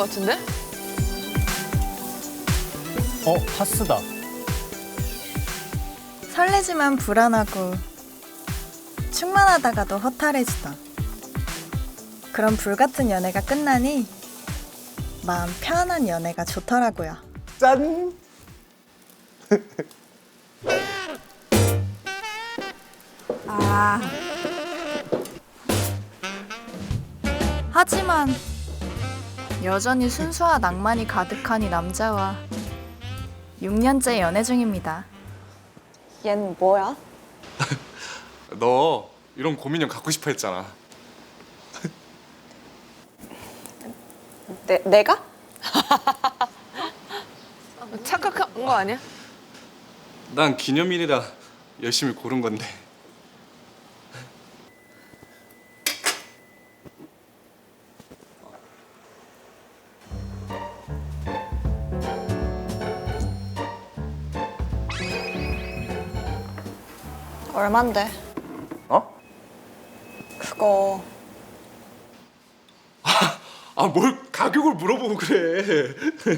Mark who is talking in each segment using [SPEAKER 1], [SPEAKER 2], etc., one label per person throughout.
[SPEAKER 1] 같은데?
[SPEAKER 2] 파스다.
[SPEAKER 3] 설레지만 불안하고 충만하다가도 허탈해지던 그런 불같은 연애가 끝나니 마음 편한 연애가 좋더라고요.
[SPEAKER 4] 짠!
[SPEAKER 3] 하지만 여전히 순수와 낭만이 가득한 이 남자와 6년째 연애 중입니다.
[SPEAKER 5] 얜 뭐야?
[SPEAKER 4] 너 이런 고민형 갖고 싶어 했잖아.
[SPEAKER 5] 내가?
[SPEAKER 1] 착각한 거 아니야?
[SPEAKER 4] 난 기념일이라 열심히 고른 건데.
[SPEAKER 5] 얼만데?
[SPEAKER 4] 어?
[SPEAKER 5] 그거
[SPEAKER 4] 아, 뭘 가격을 물어보고 그래.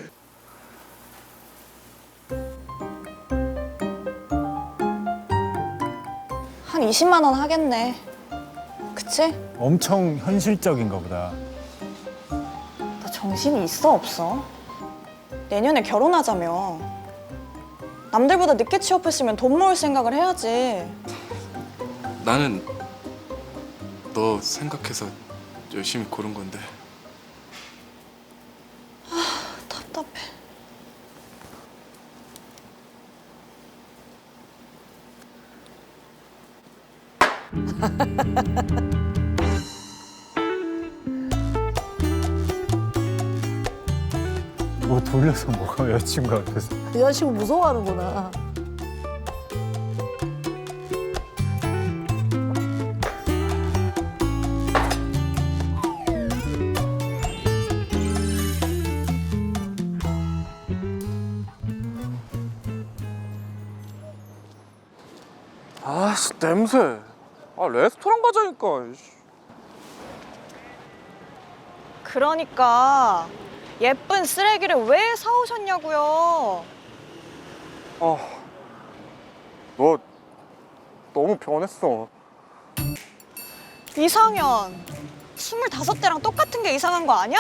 [SPEAKER 5] 한 20만 원 하겠네. 그치?
[SPEAKER 2] 엄청 현실적인가 보다.
[SPEAKER 5] 너 정신이 있어 없어? 내년에 결혼하자며. 남들보다 늦게 취업했으면 돈 모을 생각을 해야지.
[SPEAKER 4] 나는 너 생각해서 열심히 고른 건데.
[SPEAKER 5] 답답해.
[SPEAKER 2] 뭐 돌려서 뭐가 여자친구 앞에서.
[SPEAKER 6] 여자친구 무서워하는구나.
[SPEAKER 4] 아씨, 냄새. 아, 레스토랑 가자니까.
[SPEAKER 5] 그러니까 예쁜 쓰레기를 왜 사오셨냐고요.
[SPEAKER 4] 아, 너 너무 변했어.
[SPEAKER 5] 이상현. 25대랑 똑같은 게 이상한 거 아니야?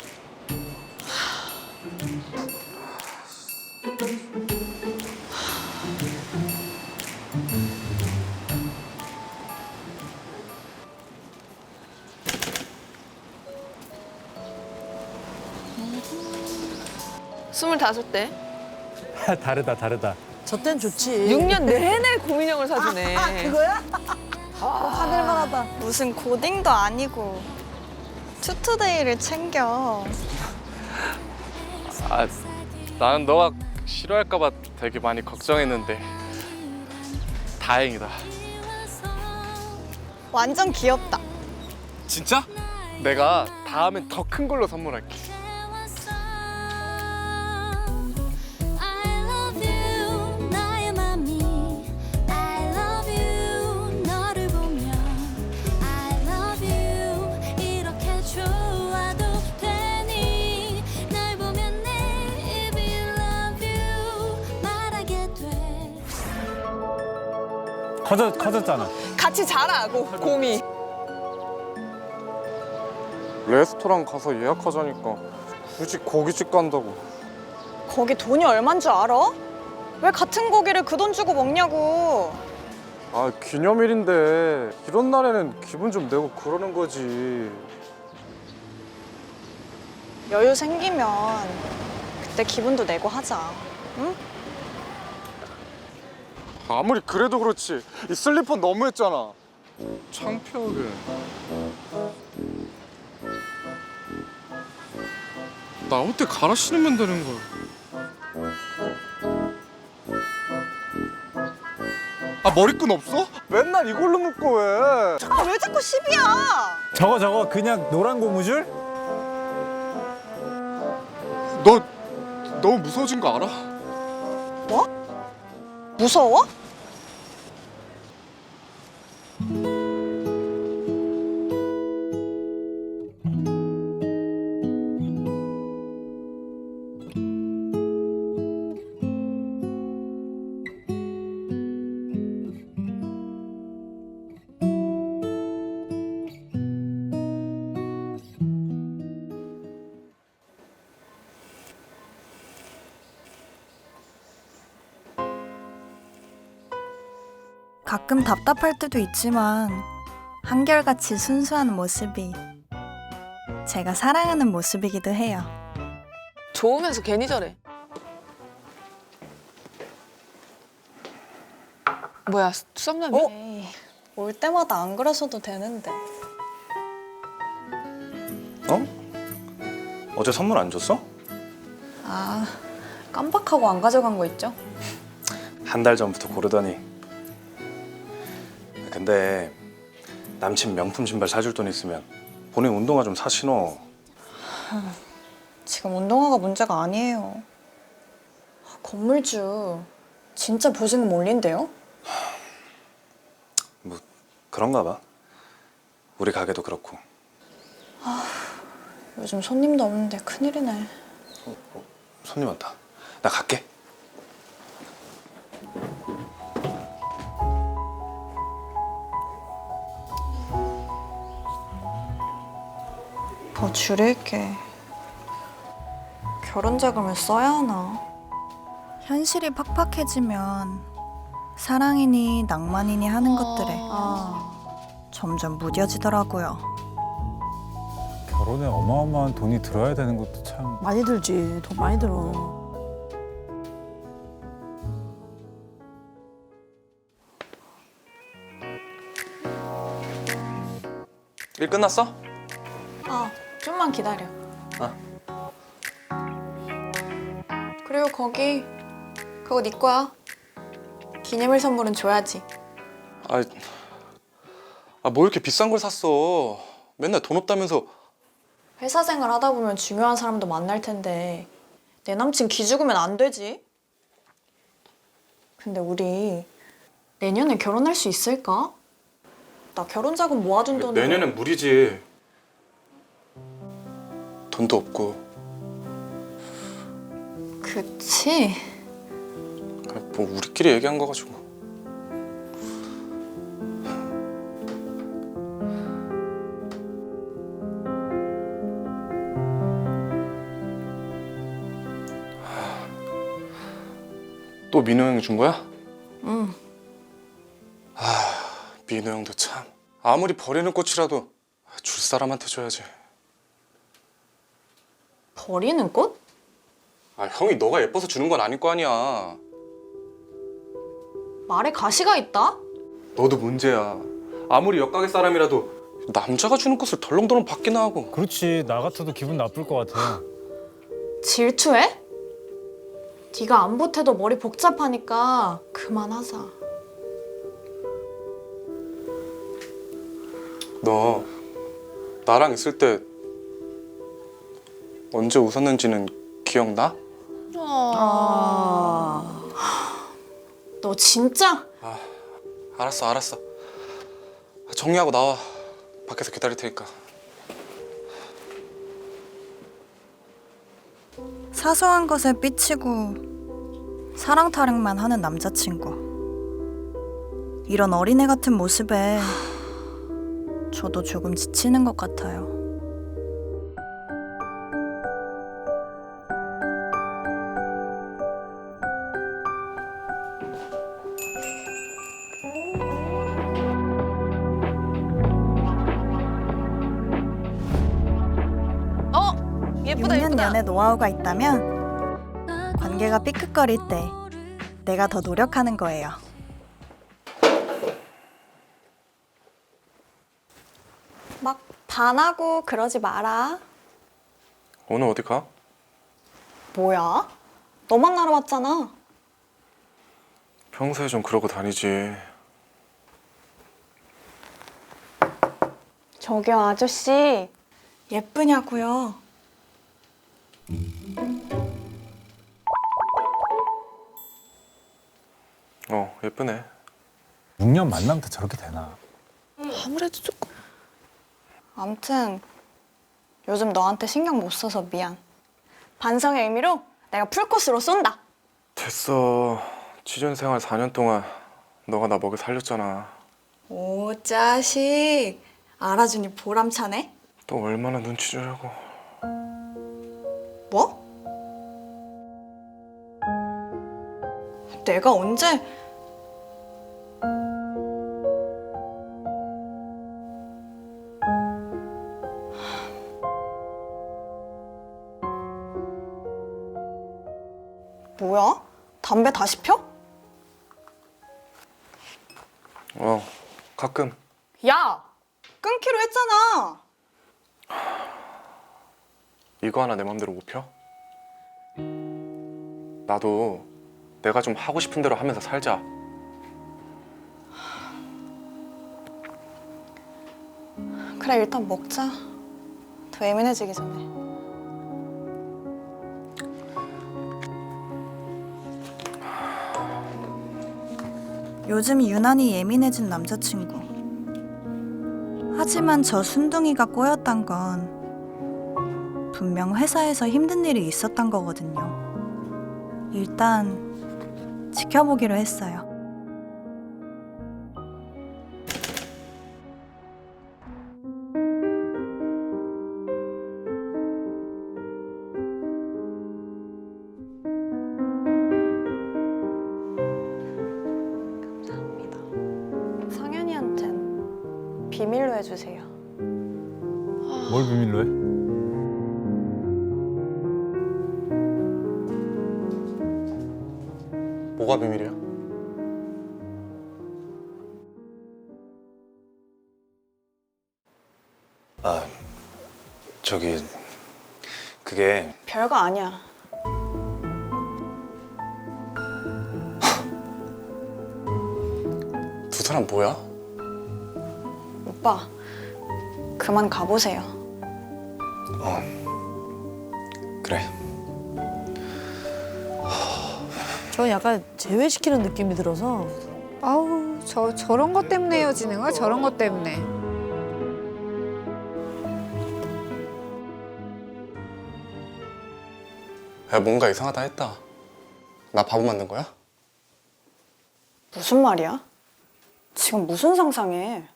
[SPEAKER 1] 스물다섯 대.
[SPEAKER 2] 다르다.
[SPEAKER 6] 저 땐 좋지.
[SPEAKER 1] 6년 내내 고민형을 사주네.
[SPEAKER 6] 그거야? 하늘만하다.
[SPEAKER 3] 무슨 고딩도 아니고 투투데이를 챙겨.
[SPEAKER 4] 아, 나는 너가 싫어할까봐 되게 많이 걱정했는데 다행이다.
[SPEAKER 3] 완전 귀엽다.
[SPEAKER 4] 진짜? 내가 다음엔 더 큰 걸로 선물할게.
[SPEAKER 7] I love you 나의 맘이 I love you 너를 보면 I love you 이렇게 좋아도 되니 날 보면 내 입이 love you 말하게 돼
[SPEAKER 2] 커졌잖아.
[SPEAKER 1] 같이 자라고 곰이.
[SPEAKER 4] 레스토랑 가서 예약하자니까 굳이 고깃집 간다고.
[SPEAKER 5] 거기 돈이 얼만 줄 알아? 왜 같은 고기를 그 돈 주고 먹냐고.
[SPEAKER 4] 아, 기념일인데 이런 날에는 기분 좀 내고 그러는 거지.
[SPEAKER 5] 여유 생기면 그때 기분도 내고 하자. 응?
[SPEAKER 4] 아무리 그래도 그렇지 이 슬리퍼 너무했잖아. 창피하게. 나 옷대 갈아 신으면 되는 거야. 아, 머리끈 없어? 맨날 이걸로 묶어 왜?
[SPEAKER 5] 아, 왜 자꾸 시비야?
[SPEAKER 2] 저거 그냥 노란 고무줄?
[SPEAKER 4] 너 너무 무서워진 거 알아?
[SPEAKER 5] 무서워?
[SPEAKER 3] 가끔 답답할 때도 있지만 한결같이 순수한 모습이 제가 사랑하는 모습이기도 해요.
[SPEAKER 1] 좋으면서 괜히 저래. 뭐야, 썸남이?
[SPEAKER 5] 에이, 올 때마다 안 그러셔도 되는데.
[SPEAKER 4] 어? 어제 선물 안 줬어?
[SPEAKER 5] 아, 깜빡하고 안 가져간 거 있죠?
[SPEAKER 4] 한 달 전부터 고르더니. 근데 남친 명품 신발 사줄 돈 있으면 본인 운동화 좀 사 신어.
[SPEAKER 5] 지금 운동화가 문제가 아니에요. 건물주 진짜 보증금 올린대요?
[SPEAKER 4] 뭐 그런가 봐. 우리 가게도 그렇고.
[SPEAKER 5] 요즘 손님도 없는데 큰일이네.
[SPEAKER 4] 손님 왔다. 나 갈게.
[SPEAKER 5] 더 줄일게. 결혼 자금을 써야 하나?
[SPEAKER 3] 현실이 팍팍해지면 사랑이니 낭만이니 하는 것들에 점점 무뎌지더라고요.
[SPEAKER 2] 결혼에 어마어마한 돈이 들어야 되는 것도 참.
[SPEAKER 6] 많이 들지. 돈 많이 들어.
[SPEAKER 4] 일 끝났어?
[SPEAKER 5] 좀만 기다려. 그리고 그거 네 거야. 기념일 선물은 줘야지.
[SPEAKER 4] 뭐 이렇게 비싼 걸 샀어? 맨날 돈 없다면서.
[SPEAKER 5] 회사 생활 하다 보면 중요한 사람도 만날 텐데 내 남친 기죽으면 안 되지. 근데 우리 내년에 결혼할 수 있을까? 나 결혼 자금 모아둔 돈으로.
[SPEAKER 4] 내년엔 무리지. 돈도 없고.
[SPEAKER 5] 그치?
[SPEAKER 4] 뭐 우리끼리 얘기한 거 가지고. 또 민호 형이 준 거야?
[SPEAKER 5] 응.
[SPEAKER 4] 민호 형도 참. 아무리 버리는 꽃이라도 줄 사람한테 줘야지.
[SPEAKER 5] 버리는 꽃?
[SPEAKER 4] 형이 너가 예뻐서 주는 건 아닐 거 아니야.
[SPEAKER 5] 말에 가시가 있다?
[SPEAKER 4] 너도 문제야. 아무리 옆가게 사람이라도 남자가 주는 꽃을 덜렁덜렁 받기나 하고.
[SPEAKER 2] 그렇지. 나 같아도 기분 나쁠 것 같아.
[SPEAKER 5] 질투해? 네가 안 보태도 머리 복잡하니까 그만하자.
[SPEAKER 4] 너 나랑 있을 때 언제 웃었는지는 기억나?
[SPEAKER 5] 너 진짜?
[SPEAKER 4] 알았어. 정리하고 나와. 밖에서 기다릴 테니까.
[SPEAKER 3] 사소한 것에 삐치고 사랑 타령만 하는 남자친구. 이런 어린애 같은 모습에 저도 조금 지치는 것 같아요.
[SPEAKER 1] 예쁘다,
[SPEAKER 3] 6년
[SPEAKER 1] 예쁘다.
[SPEAKER 3] 연애 노하우가 있다면 관계가 삐끗거릴 때 내가 더 노력하는 거예요.
[SPEAKER 5] 막 반하고 그러지 마라.
[SPEAKER 4] 오늘 어디 가?
[SPEAKER 5] 뭐야? 너 만나러 왔잖아.
[SPEAKER 4] 평소에 좀 그러고 다니지.
[SPEAKER 5] 저기요, 아저씨. 예쁘냐고요?
[SPEAKER 4] 예쁘네.
[SPEAKER 2] 6년 만나면 저렇게 되나?
[SPEAKER 1] 아무래도 조금.
[SPEAKER 5] 암튼 요즘 너한테 신경 못 써서 미안. 반성의 의미로 내가 풀코스로 쏜다.
[SPEAKER 4] 됐어. 취준생활 4년 동안 너가 나 먹여 살렸잖아.
[SPEAKER 5] 오, 자식. 알아주니 보람차네.
[SPEAKER 4] 또 얼마나 눈치 주려고.
[SPEAKER 5] 뭐? 내가 언제? 담배 다시 펴?
[SPEAKER 4] 가끔.
[SPEAKER 5] 야! 끊기로 했잖아!
[SPEAKER 4] 이거 하나 내 맘대로 못 펴? 나도 내가 좀 하고 싶은 대로 하면서 살자.
[SPEAKER 5] 그래, 일단 먹자. 더 예민해지기 전에.
[SPEAKER 3] 요즘 유난히 예민해진 남자친구. 하지만 저 순둥이가 꼬였단 건 분명 회사에서 힘든 일이 있었던 거거든요. 일단 지켜보기로 했어요.
[SPEAKER 5] 감사합니다. 상현이한텐 비밀로 해주세요.
[SPEAKER 2] 뭘 비밀로 해?
[SPEAKER 4] 뭐가 비밀이야?
[SPEAKER 8] 저기 그게
[SPEAKER 5] 별거 아니야.
[SPEAKER 4] 두 사람 뭐야?
[SPEAKER 5] 오빠, 그만 가보세요.
[SPEAKER 8] 그래.
[SPEAKER 6] 저 약간 제외시키는 느낌이 들어서
[SPEAKER 1] 아우 저런 것 때문에 헤어지는 거야? 저런 것 때문에.
[SPEAKER 4] 야, 뭔가 이상하다 했다. 나 바보 만든 거야?
[SPEAKER 5] 무슨 말이야? 지금 무슨 상상해?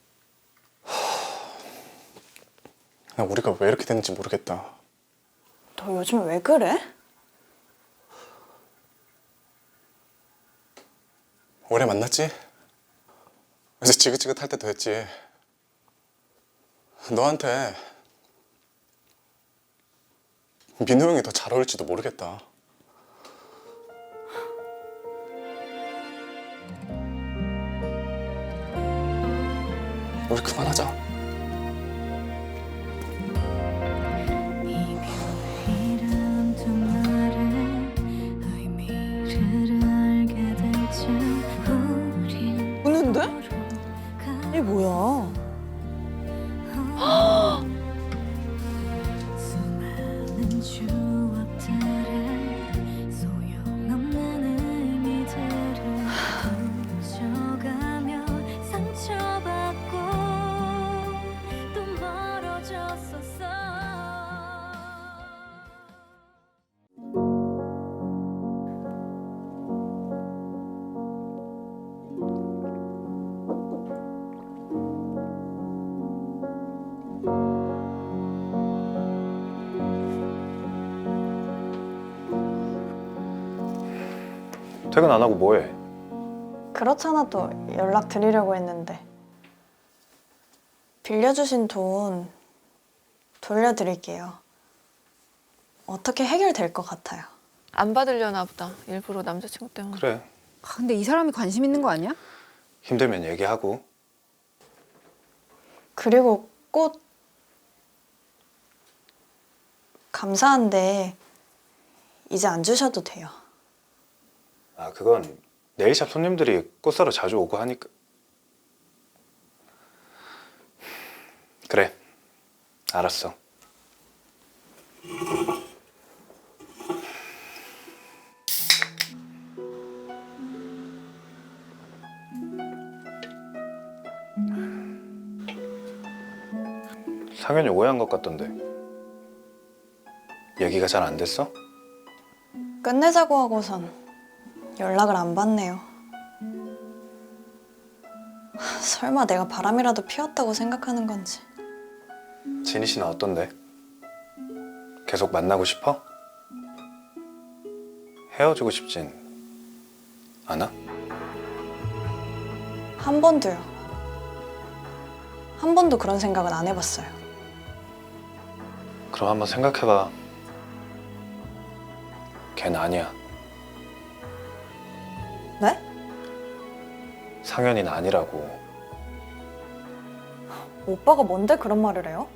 [SPEAKER 4] 나 우리가 왜 이렇게 됐는지 모르겠다.
[SPEAKER 5] 너 요즘 왜 그래?
[SPEAKER 4] 오래 만났지? 이제 지긋지긋할 때도 됐지. 너한테 민호 형이 더 잘 어울릴지도 모르겠다. 우리 그만하자.
[SPEAKER 7] 이별이란 두 말의 의미를 알게 될 줄 우린
[SPEAKER 5] 우는데?
[SPEAKER 6] 이게 뭐야?
[SPEAKER 7] 수많은 추억들의 소용없는 의미들을 훔쳐가며 상처받고 또 멀어졌었어.
[SPEAKER 8] 퇴근 안 하고 뭐해?
[SPEAKER 5] 그렇잖아, 또 연락 드리려고 했는데. 빌려주신 돈 돌려드릴게요. 어떻게 해결될 것 같아요.
[SPEAKER 1] 안 받으려나 보다. 일부러 남자친구 때문에.
[SPEAKER 8] 그래.
[SPEAKER 1] 근데 이 사람이 관심 있는 거 아니야?
[SPEAKER 8] 힘들면 얘기하고.
[SPEAKER 5] 그리고 꽃 감사한데 이제 안 주셔도 돼요.
[SPEAKER 8] 그건 네일샵 손님들이 꽃 사러 자주 오고 하니까. 그래. 알았어. 상현이 오해한 것 같던데. 얘기가 잘 안 됐어?
[SPEAKER 5] 끝내자고 하고선 연락을 안 받네요. 설마 내가 바람이라도 피웠다고 생각하는 건지.
[SPEAKER 8] 진희 씨는 어떤데? 계속 만나고 싶어? 헤어지고 싶진 않아?
[SPEAKER 5] 한 번도요. 한 번도 그런 생각은 안 해봤어요.
[SPEAKER 8] 그럼 한번 생각해봐. 걔는 아니야. 상현이는 아니라고.
[SPEAKER 5] 오빠가 뭔데 그런 말을 해요?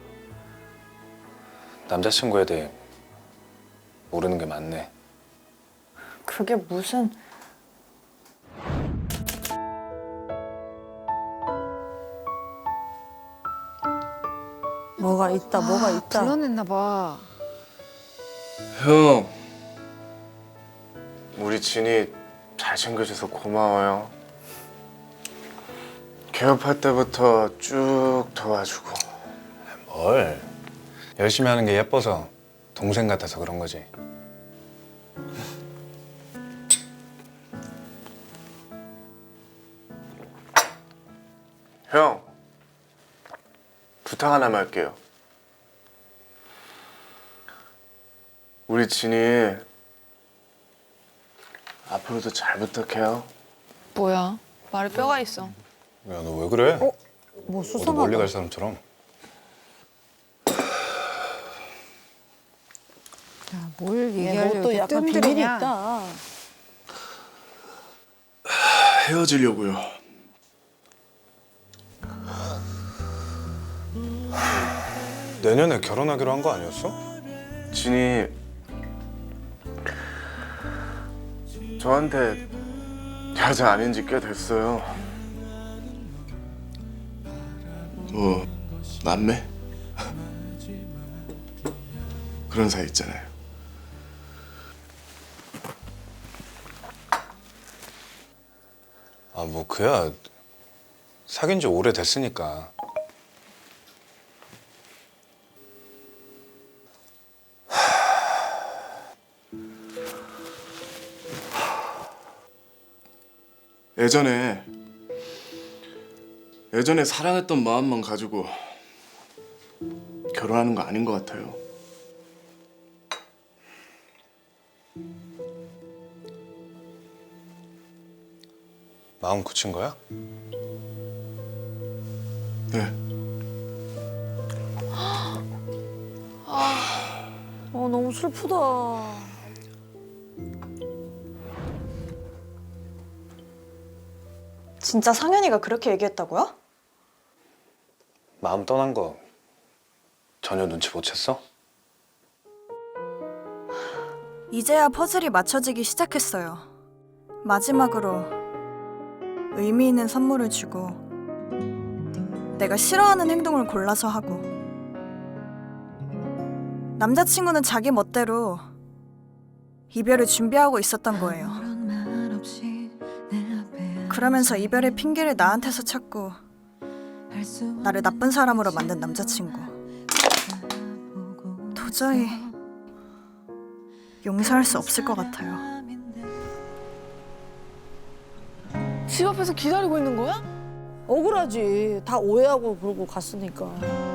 [SPEAKER 8] 남자친구에 대해 모르는 게 많네.
[SPEAKER 5] 그게 무슨...
[SPEAKER 6] 뭐가 있다, 뭐가 있다.
[SPEAKER 1] 불러냈나 봐.
[SPEAKER 4] 형, 우리 진이 잘 챙겨줘서 고마워요. 개업할 때부터 쭉 도와주고.
[SPEAKER 8] 뭘? 열심히 하는 게 예뻐서 동생 같아서 그런 거지.
[SPEAKER 4] 형, 부탁 하나만 할게요. 우리 진이 앞으로도 잘 부탁해요.
[SPEAKER 9] 뭐야? 말에 뼈가 있어.
[SPEAKER 8] 야, 너 왜 그래?
[SPEAKER 6] 뭐
[SPEAKER 8] 어디
[SPEAKER 6] 수상하다.
[SPEAKER 8] 멀리 갈 사람처럼.
[SPEAKER 1] 뭘
[SPEAKER 6] 뭐
[SPEAKER 1] 얘기하려고
[SPEAKER 6] 또 약간 비밀이
[SPEAKER 1] 뜸들이냐.
[SPEAKER 6] 있다.
[SPEAKER 4] 헤어지려고요.
[SPEAKER 8] 내년에 결혼하기로 한 거 아니었어?
[SPEAKER 4] 진이 저한테 여자 아닌 지 꽤 됐어요. 뭐 남매? 그런 사이 있잖아요.
[SPEAKER 8] 아, 뭐 그야 사귄 지 오래됐으니까.
[SPEAKER 4] 예전에 사랑했던 마음만 가지고 결혼하는 거 아닌 것 같아요.
[SPEAKER 8] 마음 굳힌 거야?
[SPEAKER 4] 네.
[SPEAKER 6] 너무 슬프다.
[SPEAKER 5] 진짜 상현이가 그렇게 얘기했다고요?
[SPEAKER 8] 마음 떠난 거 전혀 눈치 못 챘어?
[SPEAKER 3] 이제야 퍼즐이 맞춰지기 시작했어요. 마지막으로 의미 있는 선물을 주고 내가 싫어하는 행동을 골라서 하고 남자친구는 자기 멋대로 이별을 준비하고 있었던 거예요. 그러면서 이별의 핑계를 나한테서 찾고 나를 나쁜 사람으로 만든 남자친구. 도저히 용서할 수 없을 것 같아요.
[SPEAKER 9] 집 앞에서 기다리고 있는 거야?
[SPEAKER 6] 억울하지. 다 오해하고 그러고 갔으니까.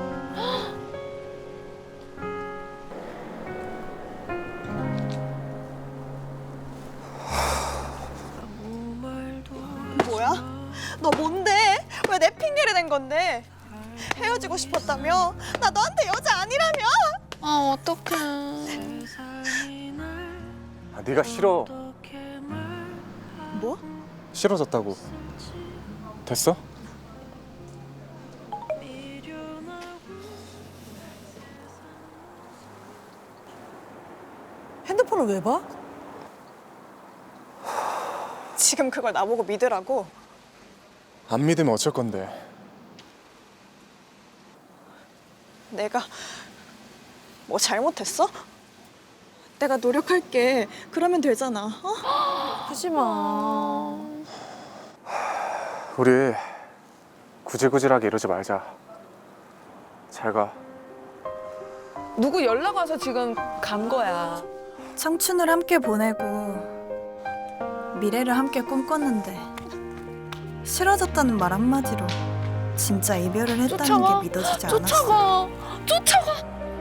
[SPEAKER 5] 뭐야? 너 뭔데? 왜 내 핑계를 댄 건데? 헤어지고 싶었다며? 나 너한테 여자 아니라며?
[SPEAKER 9] 아, 어떡해.
[SPEAKER 4] 아, 네가 싫어.
[SPEAKER 5] 뭐?
[SPEAKER 4] 싫어졌다고. 됐어?
[SPEAKER 6] 핸드폰을 왜 봐?
[SPEAKER 5] 지금 그걸 나보고 믿으라고?
[SPEAKER 4] 안 믿으면 어쩔 건데.
[SPEAKER 5] 내가 뭐 잘못했어? 내가 노력할게. 그러면 되잖아. 어?
[SPEAKER 6] 하지 마.
[SPEAKER 4] 우리 구질구질하게 이러지 말자. 잘 가.
[SPEAKER 9] 누구 연락 와서 지금 간 거야.
[SPEAKER 3] 청춘을 함께 보내고 미래를 함께 꿈꿨는데 싫어졌다는 말 한마디로 진짜 이별을 했다는
[SPEAKER 9] 쫓아가.
[SPEAKER 3] 게 믿어지지 않았어.
[SPEAKER 9] 쫓아가.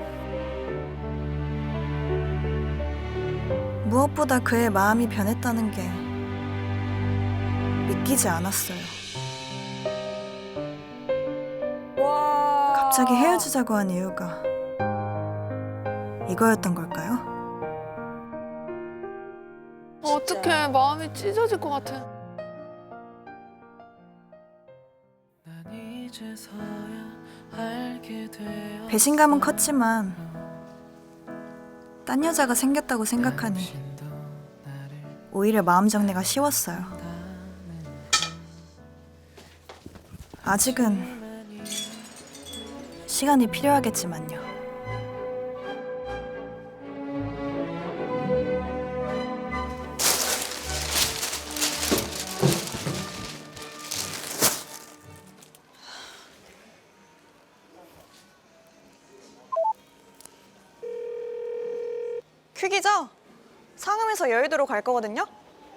[SPEAKER 3] 무엇보다 그의 마음이 변했다는 게 믿기지 않았어요.
[SPEAKER 6] 와.
[SPEAKER 3] 갑자기 헤어지자고 한 이유가 이거였던 걸까요?
[SPEAKER 9] 어떡해. 마음이 찢어질 것 같아.
[SPEAKER 3] 배신감은 컸지만 딴 여자가 생겼다고 생각하니 오히려 마음 정리가 쉬웠어요. 아직은 시간이 필요하겠지만요.
[SPEAKER 5] 퀵이죠? 상암에서 여의도로 갈 거거든요?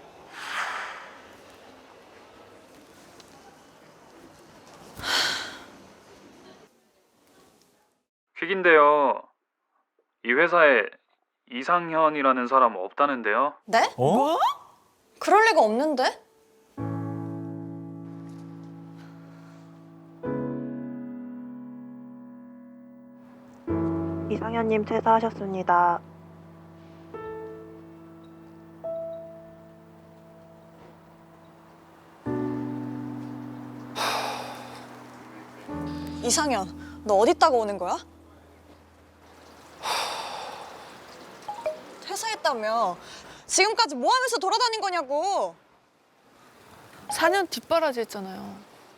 [SPEAKER 10] 퀵인데요. 이 회사에 이상현이라는 사람 없다는데요.
[SPEAKER 5] 네?
[SPEAKER 2] 어?
[SPEAKER 5] 그럴 리가 없는데?
[SPEAKER 11] 이상현님 퇴사하셨습니다.
[SPEAKER 5] 이상현, 너 어디 있다가 오는 거야? 퇴사했다며. 지금까지 뭐 하면서 돌아다닌 거냐고.
[SPEAKER 9] 4년 뒷바라지 했잖아요.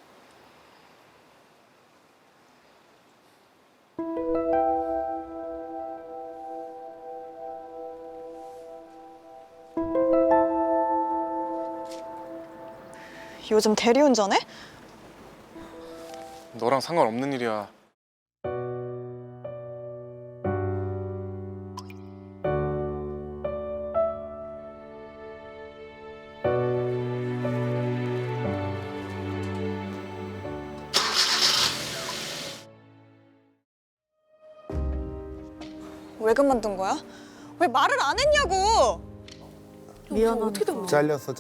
[SPEAKER 5] 요즘 대리운전해?
[SPEAKER 4] 너랑 상관없는 일이야.
[SPEAKER 5] 왜 그만둔 거야? 왜 말을 안 했냐고!
[SPEAKER 9] 미안하다. 어떻게 된 거야?
[SPEAKER 2] 잘렸어.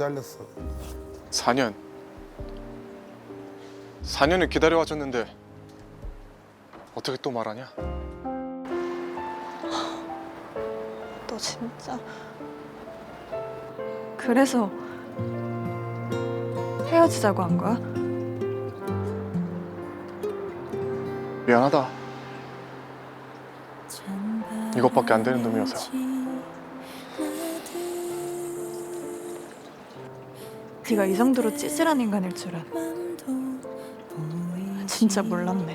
[SPEAKER 4] 4년을 기다려와줬는데 어떻게 또 말하냐?
[SPEAKER 5] 너 진짜... 그래서 헤어지자고 한 거야?
[SPEAKER 4] 미안하다. 이것밖에 안 되는 놈이어서.
[SPEAKER 5] 네가 이 정도로 찌질한 인간일 줄은 진짜 몰랐네.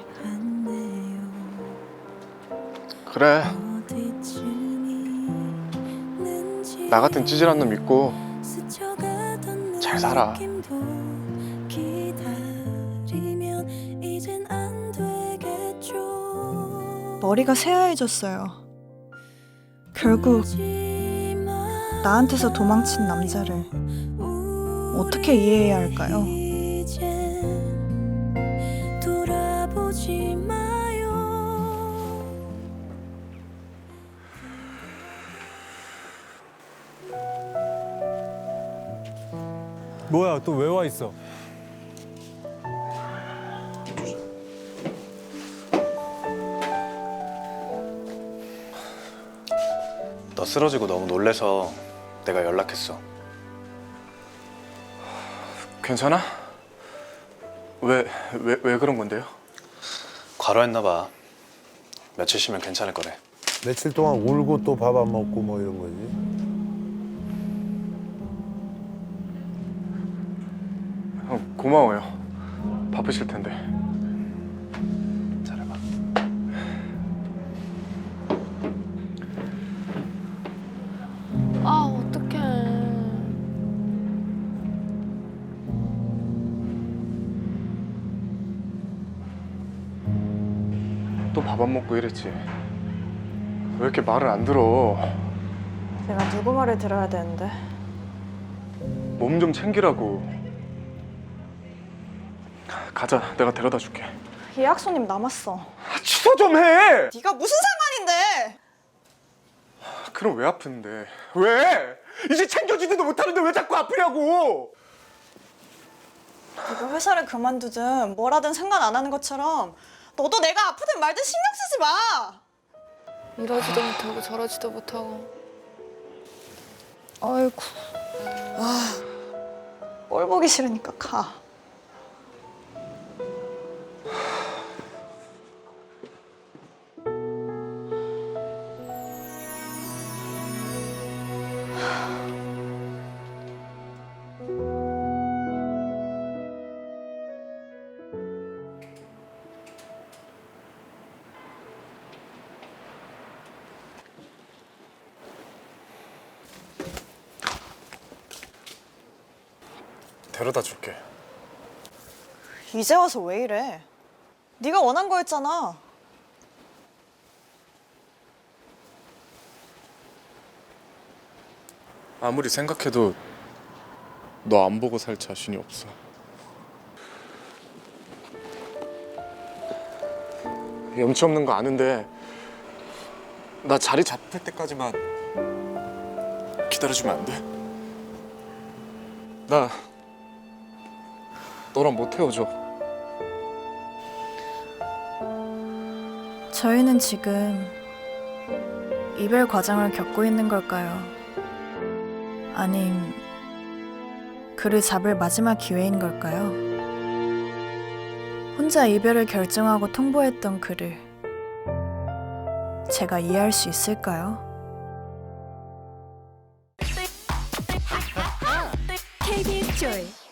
[SPEAKER 4] 그래. 나 같은 찌질한 놈 믿고 잘 살아.
[SPEAKER 3] 머리가 새하얘졌어요. 결국 나한테서 도망친 남자를 어떻게 이해해야 할까요?
[SPEAKER 7] 돌아보지 마요.
[SPEAKER 2] 뭐야, 또 왜 와 있어?
[SPEAKER 8] 너 쓰러지고 너무 놀래서 내가 연락했어.
[SPEAKER 4] 괜찮아? 왜 그런 건데요?
[SPEAKER 8] 과로했나 봐. 며칠 쉬면 괜찮을 거래.
[SPEAKER 2] 며칠 동안 울고 또 밥 안 먹고 뭐 이런 거지.
[SPEAKER 4] 형 고마워요. 바쁘실 텐데.
[SPEAKER 8] 잘해봐.
[SPEAKER 9] 아, 어떡해.
[SPEAKER 4] 또 밥 안 먹고 이랬지. 왜 이렇게 말을 안 들어?
[SPEAKER 5] 내가 누구 말을 들어야 되는데.
[SPEAKER 4] 몸 좀 챙기라고. 가자, 내가 데려다 줄게.
[SPEAKER 5] 예약 손님 남았어.
[SPEAKER 4] 취소 좀 해!
[SPEAKER 5] 네가 무슨 상관인데!
[SPEAKER 4] 그럼 왜 아픈데? 왜? 이제 챙겨주지도 못하는데 왜 자꾸 아프냐고!
[SPEAKER 5] 네가 회사를 그만두든 뭘 하든 상관 안 하는 것처럼 너도 내가 아프든 말든 신경 쓰지 마!
[SPEAKER 9] 이러지도 못하고 저러지도 못하고.
[SPEAKER 1] 아이고.
[SPEAKER 5] 꼴 보기 싫으니까 가.
[SPEAKER 4] 데려다 줄게.
[SPEAKER 3] 이제 와서 왜 이래? 네가 원한 거였잖아.
[SPEAKER 4] 아무리 생각해도 너 안 보고 살 자신이 없어. 염치 없는 거 아는데 나 자리 잡힐 때까지만 기다려주면 안 돼? 나 너랑 못 헤어져.
[SPEAKER 3] 저희는 지금 이별 과정을 겪고 있는 걸까요? 아님 그를 잡을 마지막 기회인 걸까요? 혼자 이별을 결정하고 통보했던 그를 제가 이해할 수 있을까요?
[SPEAKER 7] KBS 조이